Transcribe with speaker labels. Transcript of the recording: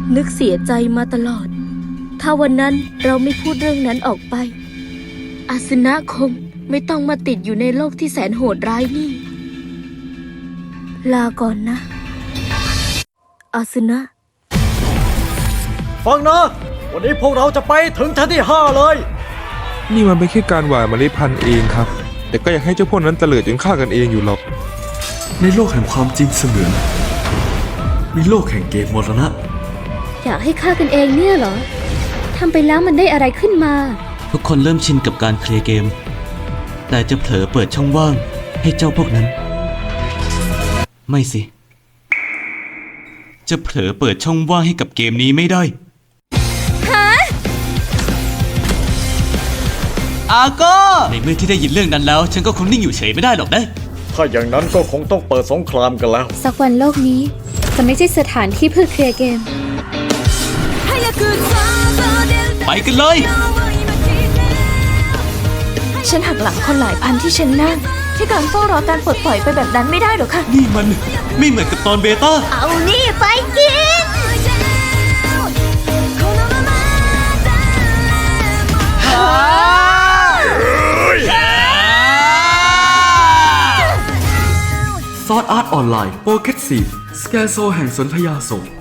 Speaker 1: นึกเสียใจมาตลอด ถ้าวันนั้นเราไม่พูดเรื่องนั้นออกไปอาสนะคงไม่ต้องมาติดอยู่ในโลกที่แสนโหดร้ายนี่ ลาก่อนนะอาสนะ
Speaker 2: ฟังนะ วันนี้พวกเราจะไปถึงชั้นที่ 5 เลย
Speaker 3: นี่มันเป็นแค่การหว่านเมล็ดพันธุ์เองครับ แต่ก็อยากให้เจ้าพวกนั้นเตลิดจนฆ่ากันเองอยู่หรอก
Speaker 4: ในโลกแห่งความจริงเสมือนมีโลกแห่งเกมมรณะ
Speaker 5: อยากให้ฆ่ากันเองเนี่ยเหรอ ทำไปแล้วมันได้อะไรขึ้นมา
Speaker 6: ทุกคนเริ่มชินกับการเคลียร์เกม แต่จะเผลอเปิดช่องว่างให้เจ้าพวกนั้น ไม่สิ จะเผลอเปิดช่องว่างให้กับเกมนี้ไม่ได้อาโก้ในเมื่อที่ได้ยินเรื่องนั้นแล้ว ฉันก็คงนิ่งอยู่เฉยไม่ได้หรอกนะ
Speaker 2: ถ้าอย่างนั้นก็คงต้องเปิดสงครามกันแล้ว
Speaker 5: สักวันโลกนี้จะไม่ใช่สถานที่เพื่อเคลียร์เกม
Speaker 6: ไปกันเลย
Speaker 1: ฉันหักหลังคนหลายพันที่ฉันนั่งที่การเฝ้ารอการปลดปล่อยไปแบบนั้นไม่ได้หรอกค่ะ
Speaker 6: นี่มันไม่เหมือนกับตอนเบต้า
Speaker 1: เอานี่ไปกิน
Speaker 4: ซอสอาร์ตออนไลน์โปรเกตซีสแกโซแห่งสนธยาโศก